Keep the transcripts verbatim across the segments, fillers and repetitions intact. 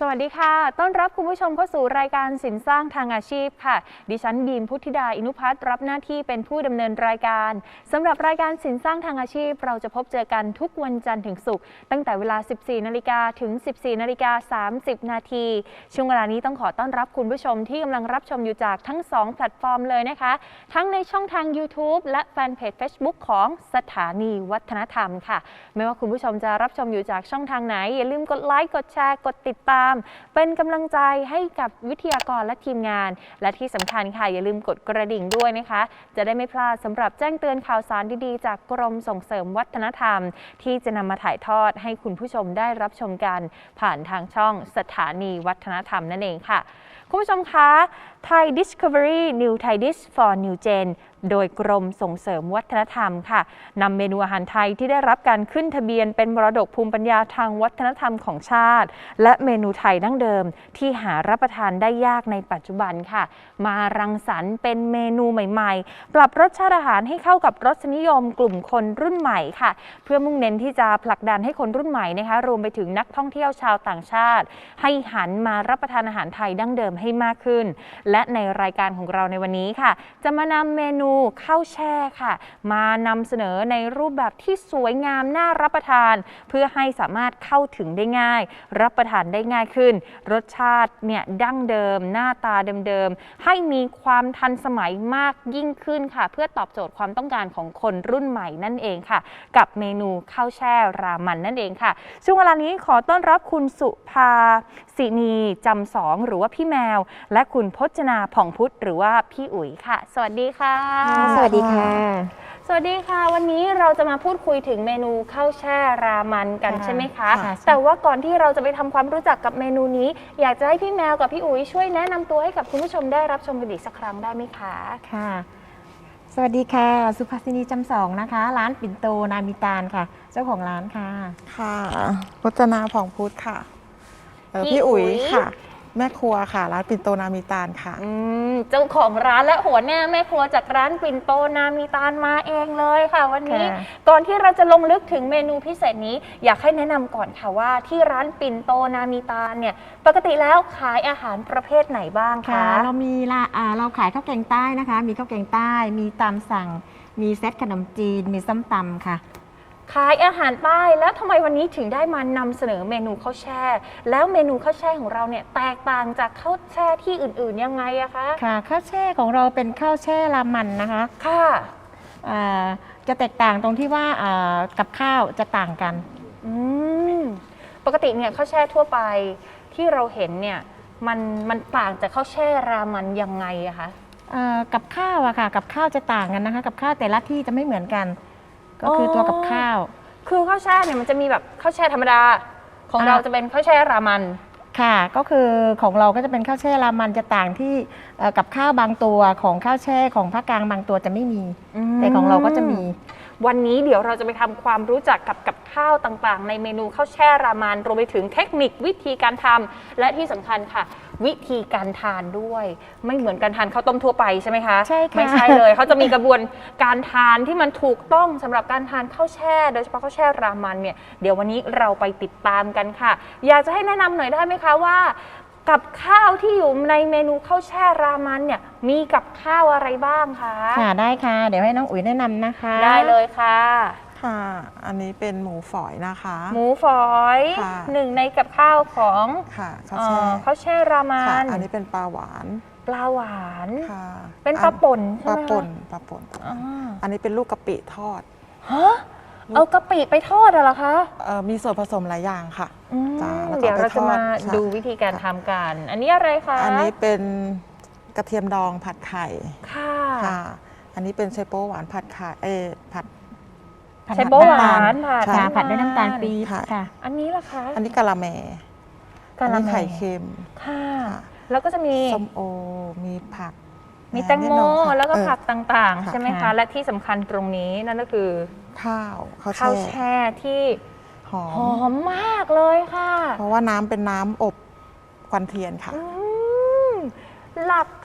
สวัสดีค่ะต้อนรับคุณผู้ชมเข้าสู่รายการสินสร้างทางอาชีพค่ะดิฉันบีมพุทธิดาอินุพัฒน์รับหน้าที่เป็นผู้ดำเนินรายการสำหรับรายการสินสร้างทางอาชีพเราจะพบเจอกันทุกวันจันทร์ถึงศุกร์ตั้งแต่เวลา สิบสี่นาฬิกา ถึง สิบสี่นาฬิกาสามสิบนาทีช่วงเวลานี้ต้องขอต้อนรับคุณผู้ชมที่กำลังรับชมอยู่จากทั้งสองแพลตฟอร์มเลยนะคะทั้งในช่องทาง YouTube และแฟนเพจ Facebook ของสถานีวัฒนธรรมค่ะไม่ว่าคุณผู้ชมจะรับชมอยู่จากช่องทางไหนอย่าลืมกดไลค์กดแชร์กดติดตามเป็นกำลังใจให้กับวิทยากรและทีมงานและที่สำคัญค่ะอย่าลืมกดกระดิ่งด้วยนะคะจะได้ไม่พลาดสำหรับแจ้งเตือนข่าวสารดีๆจากกรมส่งเสริมวัฒนธรรมที่จะนำมาถ่ายทอดให้คุณผู้ชมได้รับชมกันผ่านทางช่องสถานีวัฒนธรรมนั่นเองค่ะคุณผู้ชมคะ Thai Discovery New Thai Dish for New Gen โดยกรมส่งเสริมวัฒนธรรมค่ะนำเมนูอาหารไทยที่ได้รับการขึ้นทะเบียนเป็นมรดกภูมิปัญญาทางวัฒนธรรมของชาติและเมนูไทยดั้งเดิมที่หารับประทานได้ยากในปัจจุบันค่ะมารังสรรค์เป็นเมนูใหม่ๆปรับรสชาติอาหารให้เข้ากับรสนิยมกลุ่มคนรุ่นใหม่ค่ะเพื่อมุ่งเน้นที่จะผลักดันให้คนรุ่นใหม่นะคะรวมไปถึงนักท่องเที่ยวชาวต่างชาติให้หันมารับประทานอาหารไทยดั้งเดิมให้มากขึ้นและในรายการของเราในวันนี้ค่ะจะมานำเมนูข้าวแช่ค่ะมานำเสนอในรูปแบบที่สวยงามน่ารับประทานเพื่อให้สามารถเข้าถึงได้ง่ายรับประทานได้ง่ายขึ้นรสชาติเนี่ยดั้งเดิมหน้าตาเดิมๆให้มีความทันสมัยมากยิ่งขึ้นค่ะเพื่อตอบโจทย์ความต้องการของคนรุ่นใหม่นั่นเองค่ะกับเมนูข้าวแช่รามันนั่นเองค่ะช่วงเวลานี้ขอต้อนรับคุณสุภาศินีจำสองหรือว่าพี่แมวและคุณพจนาผ่องพุทธหรือว่าพี่อุ๋ยค่ะสวัสดีค่ะสวัสดีค่ะสวัสดีค่ะวันนี้เราจะมาพูดคุยถึงเมนูข้าวแช่รามันกันใช่ไหมคะแต่ว่าก่อนที่เราจะไปทำความรู้จักกับเมนูนี้อยากจะให้พี่แมวกับพี่อุ๋ยช่วยแนะนำตัวให้กับคุณผู้ชมได้รับชมกันอีกสักครั้งได้ไหมคะค่ะสวัสดีค่ะสุภาษินีจำสองนะคะร้านปิ่นโตนามิตาลค่ะเจ้าของร้านค่ะค่ะพจนาผ่องพุทธค่ะพี่อุ๋ยค่ะแม่ครัวค่ะร้านปิ่นโตนามิตาลค่ะเจ้าของร้านและหัวหน้าแม่ครัวจากร้านปิ่นโตนามิตาลมาเองเลยค่ะวันนี้ก่อนที่เราจะลงลึกถึงเมนูพิเศษนี้อยากให้แนะนำก่อนค่ะว่าที่ร้านปิ่นโตนามิตาลเนี่ยปกติแล้วขายอาหารประเภทไหนบ้างคะเรามีเราขายข้าวแกงใต้นะคะมีข้าวแกงใต้มีตามสั่งมีเซตขนมจีนมีส้มตำค่ะขายอาหารใต้แล้วทำไมวันนี้ถึงได้มานำเสนอเมนูข้าวแช่แล้วเมนูข้าวแช่ของเราเนี่ยแตกต่างจากข้าวแช่ที่อื่นๆยังไงอะคะค่ะข้าวแช่ของเราเป็นข้าวแช่รามันนะคะค่ะจะแตกต่างตรงที่ว่ากับข้าวจะต่างกันอืมปกติเนี่ยข้าวแช่ทั่วไปที่เราเห็นเนี่ยมันมันต่างจากข้าวแช่รามันยังไงอะคะกับข้าวอะค่ะกับข้าวจะต่างกันนะคะกับข้าวแต่ละที่จะไม่เหมือนกันก็คือตัวกับข้าวคือข้าวแช่เนี่ยมันจะมีแบบข้าวแช่ธรรมดาของเราจะเป็นข้าวแช่รามันค่ะก็คือของเราก็จะเป็นข้าวแช่รามันจะต่างที่กับข้าวบางตัวของข้าวแช่ของภาคกลางบางตัวจะไม่มีแต่ของเราก็จะมีวันนี้เดี๋ยวเราจะไปทำความรู้จักกับกับข้าวต่างๆในเมนูข้าวแช่รามันรวมไปถึงเทคนิควิธีการทำและที่สำคัญค่ะวิธีการทานด้วยไม่เหมือนการทานข้าวต้มทั่วไปใช่ไหมคะใช่ค่ะไม่ใช่เลยเขาจะมีกระบวนการทานที่มันถูกต้องสำหรับการทานข้าวแช่โดยเฉพาะข้าวแช่รามันเนี่ยเดี๋ยววันนี้เราไปติดตามกันค่ะอยากจะให้แนะนำหน่อยได้ไหมคะว่ากับข้าวที่อยู่ในเมนูข้าวแช่รามันเนี่ยมีกับข้าวอะไรบ้างคะค่ะได้ค่ะเดี๋ยวให้น้องอุ๋ยแนะนำนะคะได้เลยค่ะค่ะอันนี้เป็นหมูฝอยนะคะหมูฝอยหนึ่งในกับข้าวของค่ะข้าวแช่ข้าวแช่รามันอันนี้เป็นปลาหวานปลาหวานค่ะเป็นปลาป่นใช่ไหมปลาป่นปลาป่นอันนี้เป็นลูกกะปิทอดฮะเอากะปิไปทอดเหรอคะมีส่วนผสมหลายอย่างค่ะเดี๋ยวเราจะมาดูวิธีการทำกันอันนี้อะไรคะอันนี้เป็นกระเทียมดองผัดไข่ค่ะอันนี้เป็นไชโป๊หวานผัดไข่เอผัดไชโป๊หวานผัดผัดด้วยน้ำตาลปี๊บค่ะอันนี้ล่ะคะอันนี้กะละแมกะละแมไข่เค็มค่ะแล้วก็จะมีส้มโอมีผักมีแตงโมแล้วก็ผักต่างๆใช่ไหมคะและที่สำคัญตรงนี้นั่นก็คือข้าวข้าวแช่ที่หอมมากเลยค่ะเพราะว่าน้ำเป็นน้ำอบควันเทียนค่ะหลัก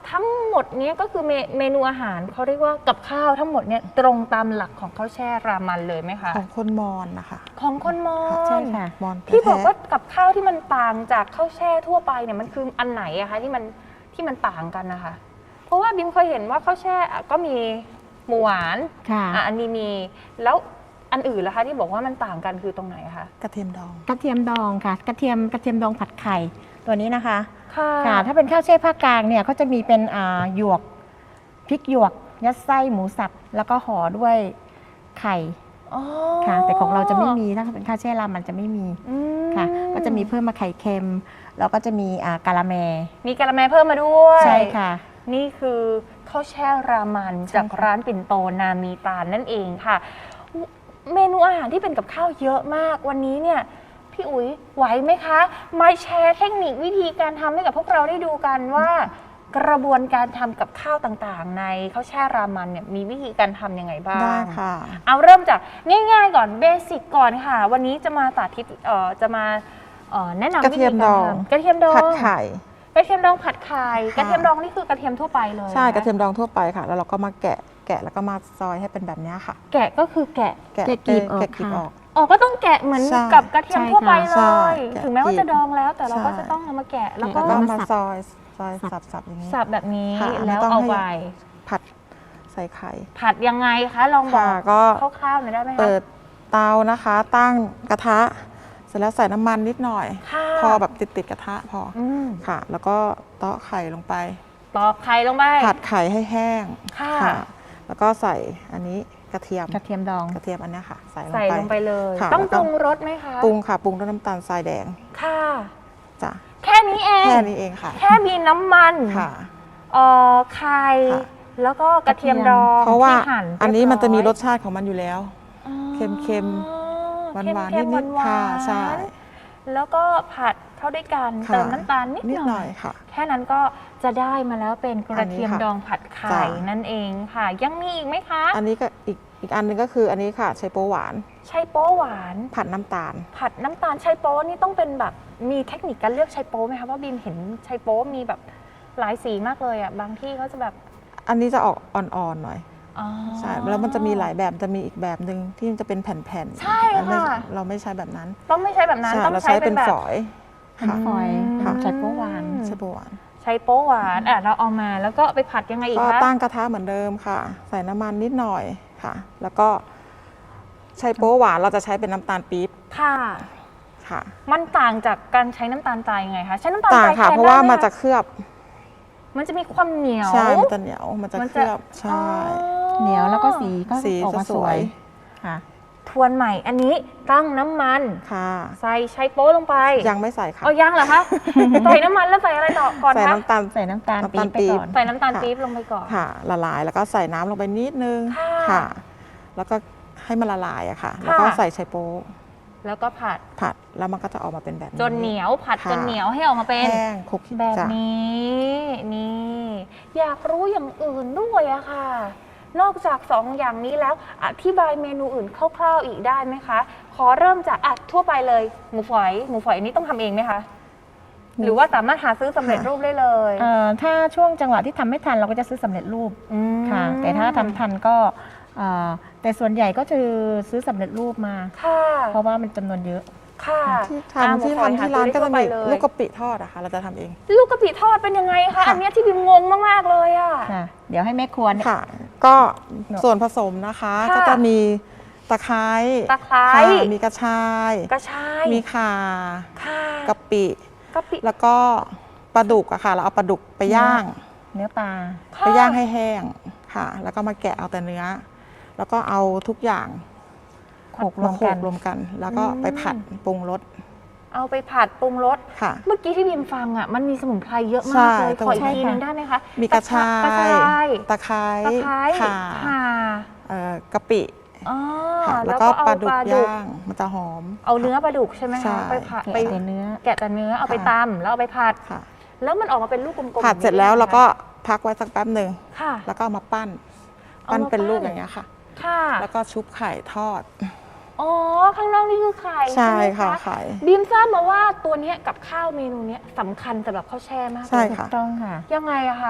ทั้งหมดเนี้ยก็คือเมเมนูอาหารเขาเรียกว่ากับข้าวทั้งหมดเนี่ยตรงตามหลักของข้าวแช่รามันเลยไหมคะของคนมอญนะคะของคนมอญใช่ค่ะมอญที่บอกแท้ว่ากับข้าวที่มันต่างจากข้าวแช่ทั่วไปเนี่ยมันคืออันไหนอะคะที่มันที่มันต่างกันนะคะเพราะว่าบิมเคยเห็นว่าข้าวแช่อะก็มีหมูหวานค่ะอ่ะอันนี้มีแล้วอันอื่นล่ะคะที่บอกว่ามันต่างกันคือตรงไหนคะกระเทียมดองกระเทียมดองค่ะ กระเทียมกระเทียมดองผัดไข่ตัวนี้นะคะค่ะค่ะ ถ้าเป็นข้าวแช่ภาคกลางเนี่ยเขาจะมีเป็นอ่าหยวกพริกหยวก ยัดไส้หมูสับแล้วก็ห่อด้วยไข่อ๋อค่ะ แต่ของเราจะไม่มีถ้าเป็นข้าวแช่รามันจะไม่มีอืมค่ะ ก็จะมีเพิ่มมาไข่เค็ม แล้วก็จะมีอ่ากะละแมมีกะละแมเพิ่มมาด้วยใช่ค่ะนี่คือข้าวแช่รามันใช่จากค่ะร้านปิ่นโตนามีตาลนั่นเองค่ะ เมนูอาหารที่เป็นกับข้าวเยอะมากวันนี้เนี่ยพี่อุ๋ยไหวไหมคะมาแชร์เทคนิควิธีการทำให้กับพวกเราได้ดูกันว่า กระบวนการทำกับข้าวต่างๆ ในข้าวแช่รามันเนี่ยมีวิธีการทำยังไงบ้างได้ค่ะเอาเริ่มจากง่ายๆก่อนเบสิกก่อนค่ะ วันนี้จะมาสาธิตเอ่อจะมาเอ่อแนะนำกระเทียมวิธีดกาอรง ทำกระเทียมดองผัดไข่กระเทียมดองผัดไข่ค่ะกระเทียมดองนี่คือกระเทียมทั่วไปเลยใช่นคกระเทียมดองทั่วไปค่ะ แล้วเราก็มาแกะแกะแล้วก็มาซอยให้เป็นแบบนี้ค่ะแกะก็คือแกะแกะแกะกลีบออกแกะกลีบค่ะออกอ๋อก็ต้องแกะเหมือนใช่กับกระเทียมทั่วไปเลใช่ยแกะถึงแม้ว่าจะดองแล้วแต่เราก็ใช่จะต้องเอามาแกะแล้วก็แล้วก็เอามามาสับซอยซอยสับๆอย่างนี้สับแบบนี้ค่ะแล้วไม่ต้องเอาให้ไปผัดใส่ไข่ผัดยังไงคะลองบอค่ะกก็คร่าวๆหน่อยได้ไหมคะเปิดเตานะคะ ตั้งกระทะ เสร็จแล้วใส่น้ำมันนิดหน่อยค่ะพอแบบติดๆกระทะพอออืมค่ะ แล้วก็เตาะไข่ลงไปตอกไข่ลงไปผัดไข่ให้แห้งค่ะแล้วก็ใส่อันนี้กระเทียมกระเทียมดองกระเทียมอันเนี้ยค่ะ ใส่ลงใส่ไปลงไปเลยค่ะต้องแล้วปก็รุงรสไหมคะปรุงค่ะปรุงด้วยน้ำตาลทรายแดงค่ะจ้ะแค่นี้เองแค่นี้เองค่ะแค่มีน้ำมันค่ะเอ่อไข่ค่ะแล้วก็กระเทียมดองเพราะว่าที่หั่อันนี้มันจะมีรสเยบชาติของมันอยู่แล้วร้อยเค็มอ๋อหวานหวานเค็นิมดๆนิดหวานๆค่ะใช่แล้วก็ผัดเข้าด้วยกันค่ะเติมน้ำตาลนิดนิดหหน่น่ออย ยค่ะแค่นั้นก็จะได้มาแล้วเป็นกระเทียมอันนี้ค่ะดองผัดไข่จ้ะนั่นเองค่ะ ยังมีอีกไหมคะอันนี้ก็อีกอีกอันหนึงก็คืออันนี้ค่ะไชโป๊หวานไชโป๊หวานผัดน้ำตาลผัดน้ำตาลไชโป๊นี่ต้องเป็นแบบมีเทคนิคการเลือกไชโป๊ไหมคะว่าบีมเห็นไชโป๊มีแบบหลายสีมากเลยอ่ะบางที่เขาจะแบบอันนี้จะออกอ่อนๆหน่อยอ๋อใช่แล้วมันจะมีหลายแบบจะมีอีกแบบหนึ่งที่มันจะเป็นแผ่นๆใช่อันนี้ค่ะเราไม่ใช้แบบนั้นต้องไม่ใช้แบบนั้นใช่ต้องเราใช้ใช้เป็เป็น นแบบฝอยเป็นค่ะฟอยล์ค่ะใช้โป๊หวานไชโป๊หวานไชโป๊หวานอ่ะเราเอามาแล้วก็ไปผัดยังไงอีกก็คะตั้งกระทะเหมือนเดิมค่ะ ใส่น้ำมันนิดหน่อยค่ะ แล้วก็ไชโป๊หวานเราจะใช้เป็นน้ำตาลปี๊บค่ะค่ะมันต่างจากการใช้น้ำตาลทรายยังไงคะใช้น้ำตาลทต่างรายค่ะแทนเพราะว่าได้ไหมันจะเคลือบมันจะมีความเหนียวใช่มันจะเหนียวมันจะมันเคจะลือบใช่เหนียวแล้วก็สีก็สีออกมาจะสสววย ยค่ะทวนใหม่อันนี้ตั้งน้ำมันค่ะใส่ไชโป๊ลงไปยังไม่ใส่ค่ะเอายังเหรอคะ ใส่น้ำมันแล้วใส่อะไรต่อก่อนใส่คะน้ำตาลใส่น้ำตาลน้ำปี๊ตาลบไปปี๊บก่อนใส่น้ำตาลค่ะปี๊บลงไปก่อนค่ะ ละลายแล้วก็ใส่น้ำลงไปนิดนึงค่ะค่ะ แล้วก็ให้มันละลายอะค่ะ แล้วก็ค่ะใส่ไชโป๊แล้วก็ผัดผัดแล้วมันก็จะออกมาเป็นแบบนี้จนเหนียวผัดค่ะจนเหนียวให้ออกมาเป็นแห้งคลุกแบบจ้ะนี้นี่ อยากรู้อย่างอื่นด้วยอะค่ะ นอกจากสองอย่างนี้แล้วอธิบายเมนูอื่นคร่าวๆอีกได้ไหมคะ ขอเริ่มจากอ่ะทั่วไปเลยหมูฝอยหมูฝอยอันนี้ต้องทำเองไหมคะ หรือว่าสามารถหาซื้อสำเร็จรูปได้เลยเอ่อถ้าช่วงจังหวะที่ทำไม่ทันเราก็จะซื้อสำเร็จรูปอืมค่ะ แต่ถ้าทำทันก็เอ่อแต่ส่วนใหญ่ก็จะซื้อสำเร็จรูปมาค่ะเพราะว่ามันจำนวนเยอะค่ะที่อ่ะทำที่หมูฝอยทำที่ร้านหก็ซื้อจะได้มีทั่วไปเลยลูกกะปิทอดอะค่ะ เราจะทำเองลูกกะปิทอดเป็นยังไงคะค่ะอันเนี้ยที่บิมงงมากๆเลยอะค่ะ เดี๋ยวให้แม่ครัวเนี่ยค่ะ ก็ส่วนผสมนะคะค่ะก็จะมีตะไคร้ตะไคร้ค่ะมีกระชายกระชายมีข่าค่ะกะปิกะปิแล้วก็ปลาดุกอะค่ะ เราเอาปลาดุกไปย่างเนื้อปลาค่ะไปย่างให้แห้งค่ะ แล้วก็มาแกะเอาแต่เนื้อ แล้วก็เอาทุกอย่างโขลกรวมโขลกันกรวมกัน แล้วก็ไปผัดปรุงรสเอาไปผัดปรุงรสค่ะเมื่อกี้ที่บิมฟังอ่ะมันมีสมุนไพรเยอะใช่มากเลยตรงขออีกใช่ทีค่ะนึงได้ไหมคะมีกระชากระชายย ตะไคร้ตะไคร้ข่าข่าเอ่อกะปิอ๋อค่ะแล้แล้ว วก็ก็เอาปลาดุปกลาดุกย่างมันจะหอมเอาเนื้อปลาดุกใช่ไหมใช่คะไปผัดแกะไปแต่เนื้อแกะแต่เนื้อเอาไปค่ะตำแล้วเอาไปผัดค่ะแล้วมันออกมาเป็นลูกกลมๆผัดเสร็จแล้วเราก็พักไว้สักแป๊บหนึ่งค่ะแล้วก็เอามาปั้นเอามาปั้นเป็นปั้นลูกอย่างเงี้ยค่ะค่ะแล้วก็ชุบไข่ทอดอ๋อข้างนอกนี่คือไข่ใช่ไหมค่ะไข่บีมทราบมาว่าตัวเนี้ยกับข้าวเมนูเนี้ยสำคัญสำหรับข้าวแช่มากเลยใช่ถูค่ะกต้องค่ะยังไงอะคะ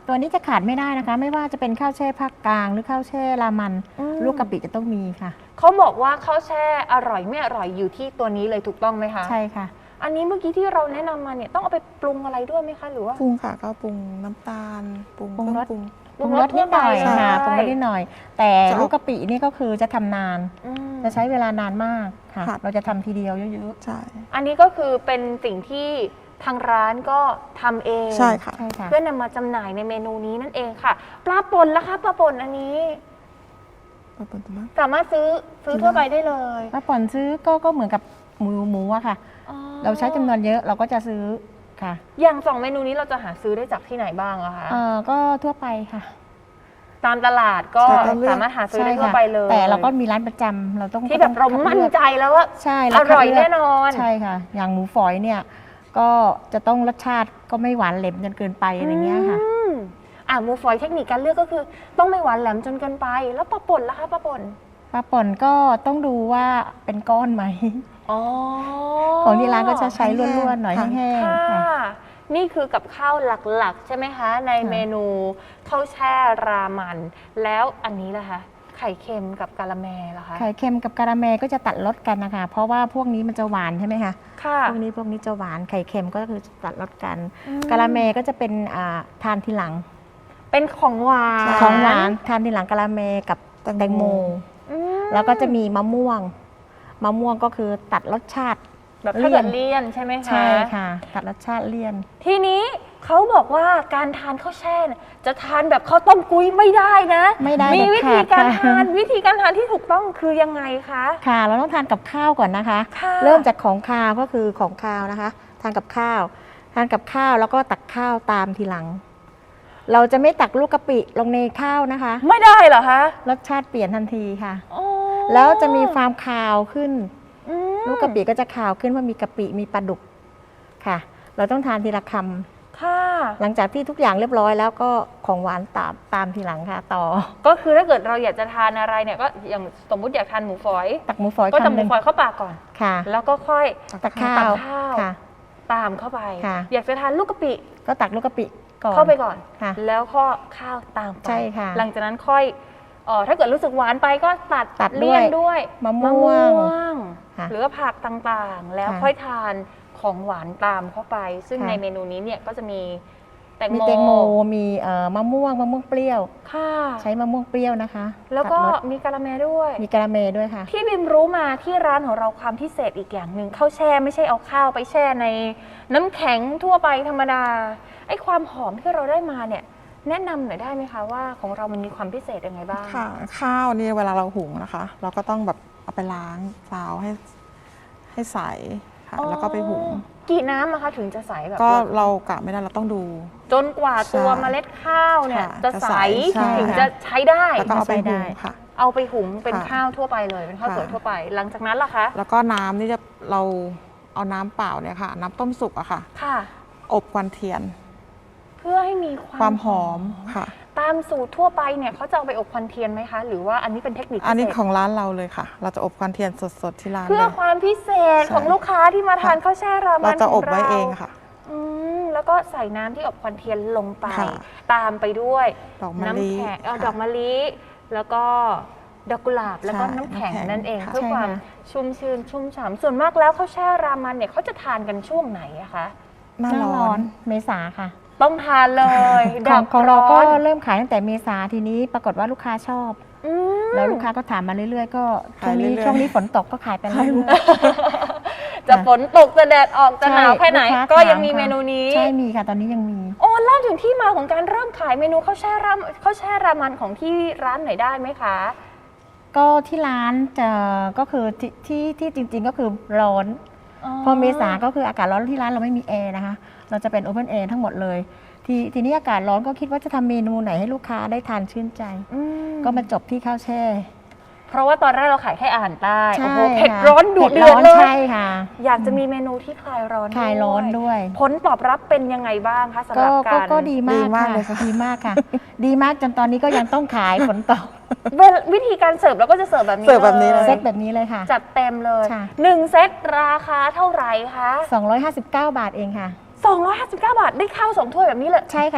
ตัวนี้จะขาดไม่ได้นะคะ ไม่ว่าจะเป็นข้าวแช่ภาคกลางหรือข้าวแช่รามันอืมลูกกะปิจะต้องมีค่ะเขาบอกว่าข้าวแช่อร่อยไม่อร่อยอยู่ที่ตัวนี้เลยถูกต้องไหมคะใช่ค่ะอันนี้เมื่อกี้ที่เราแนะนำมาเนี่ยต้องเอาไปปรุงอะไรด้วยไหมคะหรือว่าปรุงค่ะก็ปรุงน้ำตาลปรุงปรุงเครรื่อสงปรุงปรุงรสนิดหน่อยใช่ค่ะปรุงรสนิดหน่อย แต่จะเอาลูกกะปินี่ก็คือจะทำนานอืมจะใช้เวลานานมากค่ะค่ะเราจะทำทีเดียวเยอะใช่อันนี้ก็คือเป็นสิ่งที่ทางร้านก็ทำเองใช่ค่ะๆ ใช่ค่ะเพื่อนำมาจำหน่ายในเมนูนี้นั่นเองค่ะ ปลาป่นล่ะคะปลาป่นอันนี้ปลาป่นตัวมากสามารถซื้อซื้อทั่วไปได้เลยถ้าผ่อนซื้อก็ก็เหมือนกับหมูหมูอะค่ะอ๋อเราใช้จำนวนเยอะเราก็จะซื้อค่ะอย่างสองเมนูนี้เราจะหาซื้อได้จากที่ไหนบ้างอะคะเอ่อก็ทั่วไปค่ะตามตลาดก็ใช่ต้องเลือกสามารถหาซื้อได้ใช่ทั่วค่ะไปเลยแต่เราก็มีร้านประจำเราต้องที่แบบเราต้องคัดมั่นลือกใจแล้วว่าใช่อเาคัดร่อยเลืกแน่นอนใช่ค่ะ อย่างหมูฝอยเนี่ย ก็จะต้องรสชาติก็ไม่หวานเหลมจนเกินไปอะไรเงี้ยค่ะอืมอ่ะหมูฝอยเทคนิคการเลือกก็คือ ต้องไม่หวานแหลมจนเกินไป แล้วปลาป่นล่ะคะปลาป่นปลาป่นก็ต้องดูว่าเป็นก้อนไหมอ๋อของที่ร้านก็จะใช้ล้วนๆหน่อยค่ะแห้งค่ะๆค่ะนี่คือกับข้าวหลักๆ ใช่ไหมคะ ในค่ะเมนูข้าวแช่รามัน แล้วอันนี้ล่ะคะ ไข่เค็มกับกะละแมล่ะคะไข่เค็มกับกะละแมก็จะตัดรสกันนะคะ เพราะว่าพวกนี้มันจะหวานใช่ไหมคะค่ะพวกนี้พวกนี้จะหวาน ไข่เค็มก็คือตัดรสกันอืมกะละแมก็จะเป็นอ่าทานทีหลังเป็นของหวานของหวานทานทีหลังกะละแมกับแตงโมแตงโมอืมแล้วก็จะมีมะม่วง มะม่วงก็คือตัดรสชาติแบบถ้าเกิดเลี่ยนใช่ไหมคะใช่ค่ะ ตัดรสชาติเลี่ยนทีนี้เขาบอกว่าการทานข้าวแช่เนี่ยจะทานแบบข้าวต้มกุ้ยไม่ได้นะไม่ได้มีเด็ดวิธีขาดการค่ะทานวิธีการทานที่ถูกต้องคือยังไงคะค่ะ เราต้องทานกับข้าวก่อนนะคะค่ะเริ่มจากของคาวก็คือของคาวนะคะ ทานกับข้าว ทานกับข้าวแล้วก็ตักข้าวตามทีหลัง เราจะไม่ตักลูกกะปิลงในข้าวนะคะไม่ได้เหรอคะรสชาติเปลี่ยนทันทีค่ะอ๋อแล้วจะมีความคาวขึ้นอืมลูกกะปิก็จะขาวขึ้นเพราะมีกะปิมีปลาดุกค่ะ เราต้องทานทีละคำค่ะหลังจากที่ทุกอย่างเรียบร้อยแล้วก็ของหวานตามตามทีหลังค่ะ ต่อก็คือถ้าเกิดเราอยากจะทานอะไรเนี่ยก็อย่างสมมุติอยากทานหมูฝอยตักหมูฝอยก็จะหคำหมูนึ่งฝอยเข้าปากก่อนค่ะแล้วก็ค่อยตักข้าตัวกข้าวค่ะตามเข้าไปค่ะอยากจะทานลูกกะปิก็ตักลูกกะปิก่อนเข้าไปก่อนค่ะแล้วก็ข้าวตามไปใช่ค่ะหลังจากนั้นค่อยเอ่อถ้าเกิดรู้สึกหวานไปก็ตัดตัดด้วยเลี่ยนด้วยมะม่วงมะม่วงค่ะหรือว่าผักต่างๆ แล้วค่ะค่อยทานของหวานตามเข้าไป ซึ่งค่ะในเมนูนี้เนี่ยก็จะมีแตงมีโมแตงโมมีเอ่อมะม่วงมะม่วงเปรี้ยวค่ะใช้มะม่วงเปรี้ยวนะคะแล้วก็ตัดรสมีกะละแมด้วยมีกะละเมด้วยค่ะที่บิมรู้มาที่ร้านของเราความพิเศษอีกอย่างหนึ่งข้าวแช่ไม่ใช่เอาข้าวไปแช่ในน้ำแข็งทั่วไปธรรมดาไอ้ความหอมที่เราได้มาเนี่ยแนะนำหน่อยได้ไหมคะว่าของเรามันมีความพิเศษยังไงบ้างค่ะ ข้าวนี่เวลาเราหุงนะคะ เราก็ต้องแบบเอาไปล้างซาวให้ให้ใสค่ะอ๋อแล้วก็ไปหุงกี่น้ำอะคะถึงจะใสแบบก็เรากะไม่ได้เราต้องดูจนกว่าตัวใช่เมล็ดข้าวเนี่ยค่ะจะจะใสใสใช่ถึงจะใช้ได้แล้วก็เอาไปใส่ได้หุงค่ะเอาไปหุงเป็นค่ะข้าวทั่วไปเลยเป็นข้าวค่ะสวยทั่วไป หลังจากนั้นล่ะคะแล้วก็น้ำนี่จะเราเอาน้ำเปล่าเนี่ยค่ะ น้ำต้มสุกอะค่ะค่ะอบควันเทียนเพื่อให้มีความความหอมค่ะตามสูตรทั่วไปเนี่ยเขาจะเอาไปอบควันเทียนไหมคะ หรือว่าอันนี้เป็นเทคนิคพิเศษอันนี้ของร้านเราเลยค่ะ เราจะอบควันเทียนสดๆที่ร้านเพื่อเลยความพิเศษใช่ของลูกค้าที่มาทานค่ะข้าวแช่รามัเรานจะขอองบเราไว้เองค่ะอืมแล้วก็ใส่น้ำที่อบควันเทียนลงไปค่ะตามไปด้วยดอกมะลิน้ำแข็งเอาค่ะดอกมะลิแล้วก็ดอกกุหลาบแล้วก็ใช่น้ำแข็งน้ำแข็งนั่นเองค่ะเพื่อใช่ความค่ะชุ่มชื้นชุ่มฉ่ำส่วนมากแล้วข้าวแช่รามันเนี่ยเขาจะทานกันช่วงไหนอะคะหน้าหน้าร้ร้ออน นเมษาค่ะต้องทานเลยขดัองบของเราก็ร้อนเริ่มขายตั้งแต่เมษาทีนี้ปรากฏว่าลูกค้าชอบอืมแล้วลูกค้าก็ถามมาเรื่อยๆ ก็ช่วขายงนี้เรื่อยๆช่วงนี้ฝนตกก็ขายไปเรื่อยจะฝนตกจะแดดออกๆจะหนาวแค่ไหนลูค้าก็ยังมีถาค่ะเมนูนี้ใช่มีค่ะ ตอนนี้ยังมีโอ้เล่าถึงที่มาของการเริ่มขายเมนูข้าวแช่ราข้าวแช่รามันของที่ร้านหน่อยได้ไหมคะก็ที่ร้านจะก็คือที่ที่ที่จริง ๆ ก็คือร้อน พอเมษาก็คืออากาศร้อนที่ร้านเราไม่มีแอร์นะคะ เราจะเป็นโอเพนแอร์ทั้งหมดเลย ทีทีนี้อากาศร้อนก็คิดว่าจะทำเมนูไหนให้ลูกค้าได้ทานชื่นใจอืมก็มาจบที่ข้าวแช่เพราะว่าตอนแรกเราขายแค่อาหารใต้ใช่โอ้โหเผ็ดค่ะร้อนดุเดือดผ็เลร้ยใช่ค่ะอยากจะมีเมนูที่คลายร้อนคลายร้อนด้วยผลตอบรับเป็นยังไงบ้างคะสำหก็รับก็การก็ดีมากดีมากค่ะเลยค่ะดีมากค่ะ ดีมากจนตอนนี้ก็ยังต้องขายผลตอบเวลวิธีการเสิร์ฟเราก็จะเสิร์ฟแบบนี้เสิร์ฟแบบนี้เลยเซตแบบนี้เลยค่ะจัดเต็มเลยค่ะหนึ่งเซตราคาเท่าไหร่คะสองร้อยห้าสิบเก้า บาทเองค่ะสองร้อยห้าสิบเก้าบาทได้ข้าวสองถ้วยแบบนี้เลยใช่ค่ะ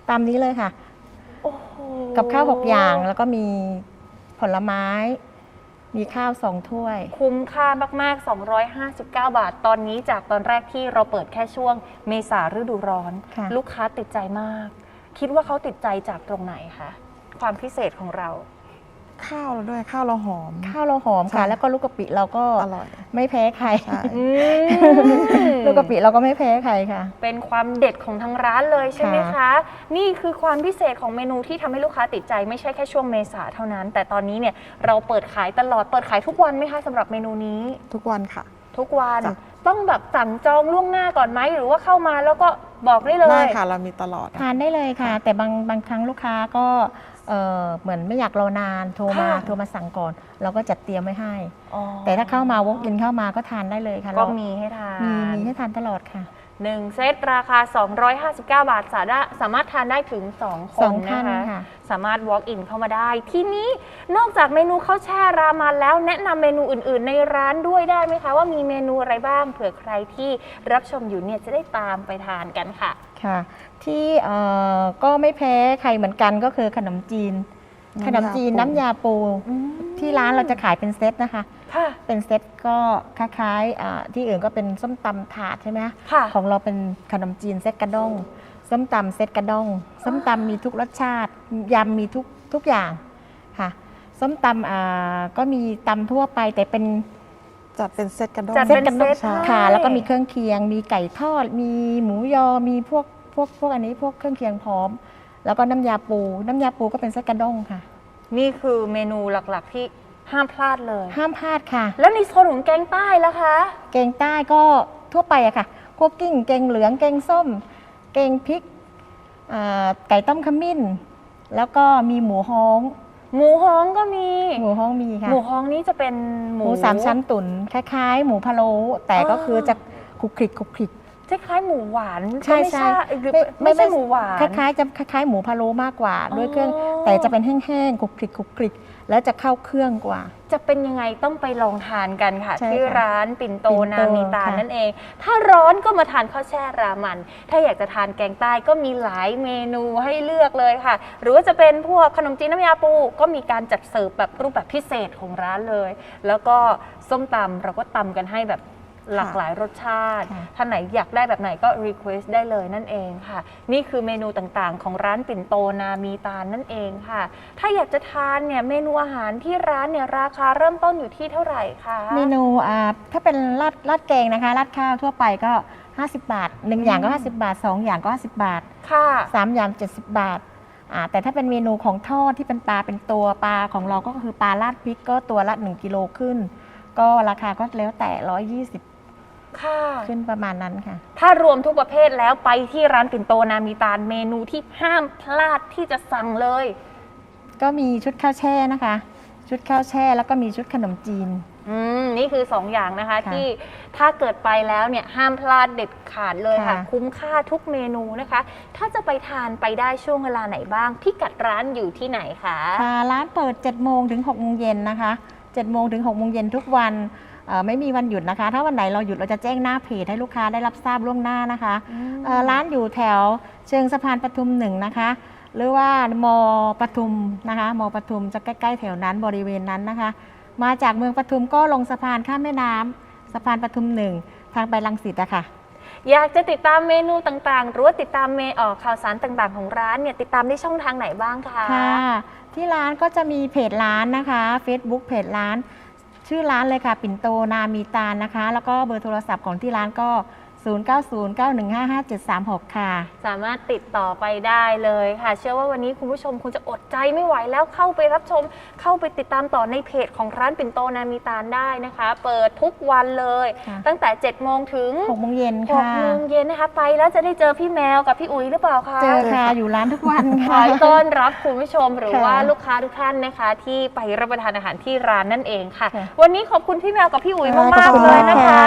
ตามนี้เลยค่ะโอ้โหกับข้าวหกอย่างแล้วก็มีผลไม้ มีข้าวสองถ้วยคุ้มค่ามากๆ สองร้อยห้าสิบเก้า บาท ตอนนี้จากตอนแรกที่เราเปิดแค่ช่วงเมษาฤดูร้อนค่ะลูกค้าติดใจมาก คิดว่าเขาติดใจจากตรงไหนคะความพิเศษของเราข้าวเราด้วยข้าวเราหอมข้าวเราหอมค่ะใช่แล้วก็ลูกกะปิเราก็อร่อยไม่แพ้ใครใช่อืมลูกกะปิเราก็ไม่แพ้ใครค่ะเป็นความเด็ดของทางร้านเลยใช่ไหมคะค่ะนี่คือความพิเศษของเมนูที่ทำให้ลูกค้าติดใจไม่ใช่แค่ช่วงเมษาเท่านั้น แต่ตอนนี้เนี่ยเราเปิดขายตลอดเปิดขายทุกวันไหมคะสำหรับเมนูนี้ทุกวันค่ะทุกวันจ้ะต้องแบบสั่งจองล่วงหน้าก่อนไหมหรือว่าเข้ามาแล้วก็บอกได้เลยได้ค่ะเรามีตลอดทานได้เลยค่ะ แต่บางบางครั้งลูกค้าก็เอ่อเหมือนไม่อยากรอนานโทรมาค่ะโทรมาสั่งก่อน เราก็จัดเตรียมไว้ให้อ๋อแต่ถ้าเข้ามาวกอินเข้ามาก็ทานได้เลยค่ะก็เรามีให้ทานมีมีให้ทานตลอดค่ะหนึ่งเซตราคา สองร้อยห้าสิบเก้า บาทสาระสามารถทานได้ถึง สอง คสอน งท่านะนคะค่ะสามารถ walk in เข้ามาได้ ทีนี้นอกจากเมนูข้าวแช่รามันแล้วแนะนำเมนูอื่นๆ ในร้านด้วยได้ไหมคะ ว่ามีเมนูอะไรบ้างเผื่อใครที่รับชมอยู่เนี่ยจะได้ตามไปทานกันค่ะค่ะ ที่เอ่อก็ไม่แพ้ใครเหมือนกันก็คือขนมจีน ขนมจีนน้ำยาปู ที่ร้านเราจะขายเป็นเซตนะคะค่ะเป็นเซตก็คล้ายๆอ่าที่อื่นก็เป็นส้มตำถาดใช่ไหมคะค่ะของเราเป็นขนมจีนเซตกระด้งส้มตำเซตกระด้งส้มตำมีทุกรสชาติยำมีทุกทุกอย่างค่ะส้มตำอ่าก็มีตำทั่วไปแต่เป็นจัดเป็นเซตกระด้งจัดเซตเป็นกระด้งเซตค่ะให้แล้วก็มีเครื่องเคียง มีไก่ทอด มีหมูยอมีพวกพวกพวกอันนี้พวกเครื่องเคียงพร้อม แล้วก็น้ำยาปู น้ำยาปูก็เป็นเซตกระด้งค่ะนี่คือเมนูหลักๆที่ห้ามพลาดเลยห้ามพลาดค่ะแล้วในโซนของแกงใต้ล่ะคะแกงใต้ก็ทั่วไปอะค่ะคั่วกิ้งแกงเหลืองแกงส้ม แกงพริกอ่าไก่ต้มขมิ้น แล้วก็มีหมูฮ้องหมูฮ้องก็มีหมูฮ้องมีค่ะหมูฮ้องนี่จะเป็นหหมูมูสามชั้นตุ๋นคล้ายๆ หมูพะโล้แต่ก็คือจะคลุกคลิกคลุกคลิกคล้ายๆหมูหวานใช่ก็ไม่ใช่หรือไม่ใช่หมูหวานคล้ายๆจะคล้ายๆหมูพะโล้มากกว่า ด้วยเครื่องอ๋อแต่จะเป็นแห้งๆคลุกคลิกคลุกคลิกแล้วจะเข้าเครื่องกว่าจะเป็นยังไงต้องไปลองทานกันค่ะใช่ค่ะที่ร้านปิ่นโตปิ่นโตนามีตาลค่ะนั่นเอง ถ้าร้อนก็มาทานข้าวแช่รามัน ถ้าอยากจะทานแกงใต้ก็มีหลายเมนูให้เลือกเลยค่ะ หรือว่าจะเป็นพวกขนมจีนน้ำยาปูก็มีการจัดเสิร์ฟแบบรูปแบบพิเศษของร้านเลย แล้วก็ส้มตำเราก็ตำกันให้แบบหลากหลายรสชาติค่ะท่านไหนอยากได้แบบไหนก็ request ได้เลยนั่นเองค่ะ นี่คือเมนูต่างๆ ของร้านปิ่นโตนามีตาลนั่นเองค่ะ ถ้าอยากจะทานเนี่ยเมนูอาหารที่ร้านเนี่ยราคาเริ่มต้นอยู่ที่เท่าไหร่คะเมนูอ่าถ้าเป็นราดราดแกงนะคะราดข้าวทั่วไปก็ ห้าสิบบาทหนึ่งอย่างก็ ห้าสิบบาทสองอย่างก็ ห้าสิบบาทค่ะสามอย่าง เจ็ดสิบบาทอ่าแต่ถ้าเป็นเมนูของทอดที่เป็นปลาเป็นตัวปลาของเราก็คือปลาราดพริกก็ตัวละหนึ่งกิโลขึ้น ก็ราคาก็แล้วแต่หนึ่งร้อยยี่สิบค่ะขึ้นประมาณนั้นค่ะถ้ารวมทุกประเภทแล้วไปที่ร้านปิ่นโตนามีตาลเมนูที่ห้ามพลาดที่จะสั่งเลยก็มีชุดข้าวแช่นะคะ ชุดข้าวแช่แล้วก็มีชุดขนมจีนอืมนี่คือ สอง อย่างนะคะค่ะที่ถ้าเกิดไปแล้วเนี่ยห้ามพลาดเด็ดขาดเลยค่ะค่ะคุ้มค่าทุกเมนูนะคะ ถ้าจะไปทานไปได้ช่วงเวลาไหนบ้างพิกัดร้านอยู่ที่ไหนคะค่ะร้านเปิดเจ็ดโมงถึงหกโมงเย็นนะคะเจ็ดโมงถึงหกโมงเย็นทุกวันเอ่อไม่มีวันหยุดนะคะ ถ้าวันไหนเราหยุดเราจะแจ้งหน้าเพจให้ลูกค้าได้รับทราบล่วงหน้านะคะเอ่อร้านอยู่แถวเชิงสะพานปทุมหนึ่งนะคะ หรือว่ามปทุมนะคะมปทุมจะใกล้ๆแถวนั้นบริเวณนั้นนะคะ มาจากเมืองปทุมก็ลงสะพานข้ามแม่น้ำสะพานปทุมหนึ่งทางไปรังสิตอะค่ะอยากจะติดตามเมนูต่างๆ หรือว่าติดตามเมเอ่อข่าวสารต่างๆ ของร้านเนี่ยติดตามได้ช่องทางไหนบ้างคะค่ะ ที่ร้านก็จะมีเพจร้านนะคะ Facebook เพจร้าน ชื่อร้านเลยค่ะ ปิ่นโตนามีตาลนะคะ แล้วก็เบอร์โทรศัพท์ของที่ร้านก็ ศูนย์ เก้า ศูนย์ เก้า หนึ่ง ห้า ห้า เจ็ด สาม หก ค่ะสามารถติดต่อไปได้เลยค่ะ เชื่อว่าวันนี้คุณผู้ชมคงจะอดใจไม่ไหวแล้วเข้าไปรับชม เข้าไปติดตามต่อในเพจของร้านปิ่นโตนามีตาลได้นะคะ เปิดทุกวันเลยค่ะตั้งแต่เจ็ดโมงถึงหกโมงเย็นหค่ะกโมงเย็นนะคะ ไปแล้วจะได้เจอพี่แมวกับพี่อุ๋ยหรือเปล่าคะเจอค่ะ อยู่ร้านทุกวันขค่ะอต้อนรับคุณผู้ชมหรือค่ะว่าลูกค้าทุกท่านนะคะ ที่ไปรับประทานอาหารที่ร้านนั่นเองค่ะค่ะวันนี้ขอบคุณพี่แมวกับพี่อุ๋ยค่ะมากขอบคุๆณเลยนะคะมากค่ะที่มาแช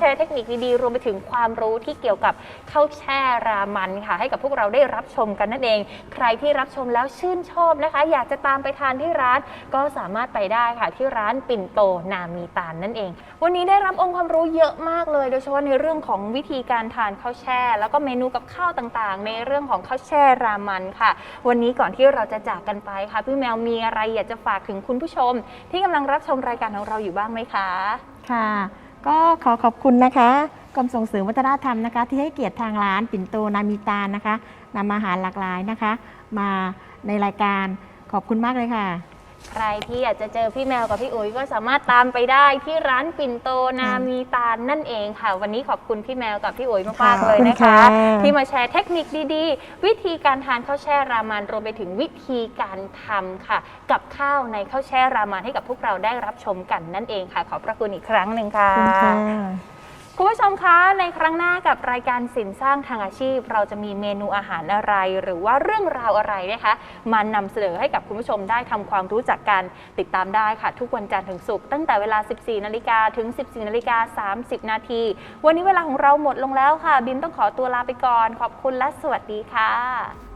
ร์เทคนิคดีๆรวมไปถึงความรู้ที่เกี่ยวกับข้าวแช่รามันค่ะให้กับพวกเราได้รับชมกันนั่นเองใครที่รับชมแล้วชื่นชอบนะคะอยากจะตามไปทานที่ร้านก็สามารถไปได้ค่ะที่ร้านปิ่นโตนามีตาลนั่นเองวันนี้ได้รับองค์ความรู้เยอะมากเลยโดยเฉพาะในเรื่องของวิธีการทานข้าวแช่แล้วก็เมนูกับข้าวต่างๆในเรื่องของข้าวแช่รามันค่ะวันนี้ก่อนที่เราจะจากกันไปค่ะพี่แมวมีอะไรอยากจะฝากถึงคุณผู้ชมที่กำลังรับชมรายการของเราอยู่บ้างไหมคะค่ะก็ขอขอบคุณนะคะกรมส่งเสริมวัฒนธรรมนะคะที่ให้เกียรติทางร้านปิ่นโตนามีตาลนะคะนำอาหารหลากหลายนะคะ มาในรายการขอบคุณมากเลยค่ะใครที่อยากจะเจอพี่แมวกับพี่อุ๋ยก็สามารถตามไปได้ที่ร้านปิ่นโตนามีตาลนั่นเองค่ะวันนี้ขอบคุณพี่แมวกับพี่อุ๋ยมากๆเลยนะคะที่มาแชร์เทคนิคดีๆวิธีการทานข้าวแช่รามันรวมไปถึงวิธีการทำค่ะกับข้าวในข้าวแช่รามันให้กับพวกเราได้รับชมกันนั่นเองค่ะขอบพระคุณอีกครั้งหนึ่งค่ะคุณผู้ชมคะในครั้งหน้ากับรายการสินสร้างทางอาชีพเราจะมีเมนูอาหารอะไรหรือว่าเรื่องราวอะไรนะคะมานำเสนอให้กับคุณผู้ชมได้ทำความรู้จักกันติดตามได้ค่ะทุกวันจันทร์ถึงศุกร์ตั้งแต่เวลา สิบสี่นาฬิกา ถึง สิบสี่นาฬิกาสามสิบนาทีวันนี้เวลาของเราหมดลงแล้วค่ะบินต้องขอตัวลาไปก่อนขอบคุณและสวัสดีค่ะ